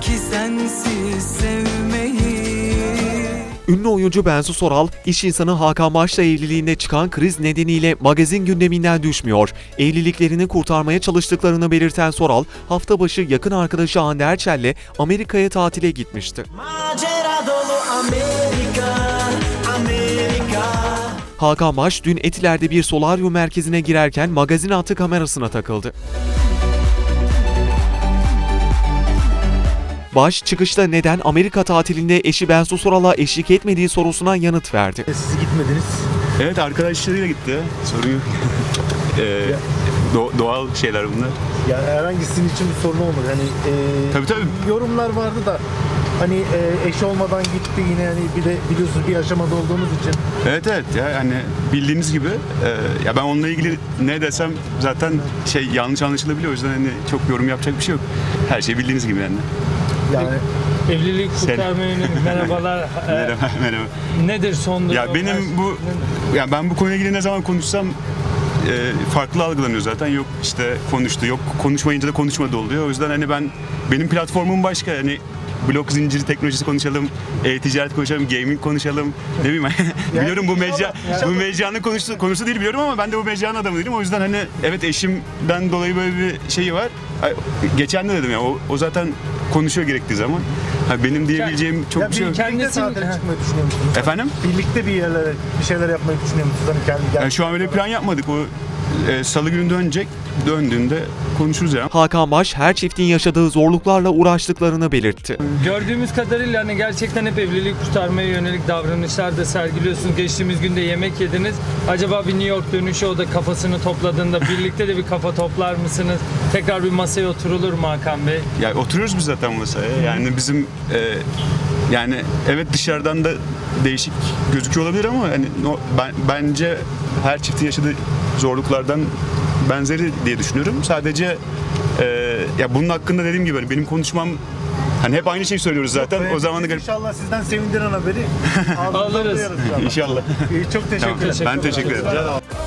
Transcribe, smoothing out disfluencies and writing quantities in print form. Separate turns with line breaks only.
ki sensiz sevmeyi.
Ünlü oyuncu Bensu Soral, iş insanı Hakan Baş'la evliliğinde çıkan kriz nedeniyle magazin gündeminden düşmüyor. Evliliklerini kurtarmaya çalıştıklarını belirten Soral, hafta başı yakın arkadaşı Hande Erçel'le Amerika'ya tatile gitmişti.
Macera dolu Amerika, Amerika.
Hakan Baş, dün Etiler'de bir solaryum merkezine girerken magazin hattı kamerasına takıldı. Baş, çıkışta neden Amerika tatilinde eşi Bensu Soral'a eşlik etmediği sorusuna yanıt verdi.
Siz gitmediniz.
Evet, arkadaşlarıyla gitti. Sorun yok. Doğal şeyler bunlar.
Yani herhangi sizin için bir sorun olmadı. Hani
Tabii.
yorumlar vardı da hani eş olmadan gitti yine, yani bir de biliyorsunuz bir aşamada olduğumuz için.
Evet ya, hani bildiğiniz gibi ya ben onunla ilgili ne desem zaten yanlış anlaşılabiliyor. O yüzden hani çok yorum yapacak bir şey yok. Her şey bildiğiniz gibi yani.
Yani
Evlilik kurtarma yönelik merhabalar.
Merhaba.
Nedir son durum?
Ya ben bu konuyla ilgili ne zaman konuşsam farklı algılanıyor zaten. Yok işte konuştu, yok konuşmayınca da konuşmadı oluyor. O yüzden hani benim platformum başka. Hani blok zinciri teknolojisi konuşalım, ticaret konuşalım, gaming konuşalım. Ne bileyim biliyorum bu mecranın konusu değil biliyorum ama ben de bu mecranın adamı değilim. O yüzden hani evet, eşimden dolayı böyle bir şeyi var. Geçen de dedim ya, o zaten konuşuyor gerektiği zaman. Benim diyebileceğim çok bir şey yok.
birlikte tatile çıkmayı düşünüyor musunuz?
Efendim?
Birlikte bir şeyler yapmayı düşünüyor musunuz? Hani kendi
Şu an öyle plan yapmadık. O salı günü döndüğünde konuşuruz ya.
Hakan Baş, her çiftin yaşadığı zorluklarla uğraştıklarını belirtti.
Gördüğümüz kadarıyla hani gerçekten hep evlilik kurtarmaya yönelik davranışlar da sergiliyorsunuz. Geçtiğimiz günde yemek yediniz. Acaba bir New York dönüşü o da kafasını topladığında birlikte de bir kafa toplar mısınız? Tekrar bir masaya oturulur mu Hakan Bey?
Ya oturuyoruz biz zaten masaya. Yani bizim yani evet, dışarıdan da değişik gözüküyor olabilir ama hani bence her çiftin yaşadığı zorluklardan benzeri diye düşünüyorum. Sadece ya bunun hakkında dediğim gibi benim konuşmam, hani hep aynı şeyi söylüyoruz zaten. O zaman da
İnşallah sizden sevindiren haberi
Alırız.
duyarız inşallah.
İnşallah.
Çok teşekkür ederim.
Ben teşekkür ederim.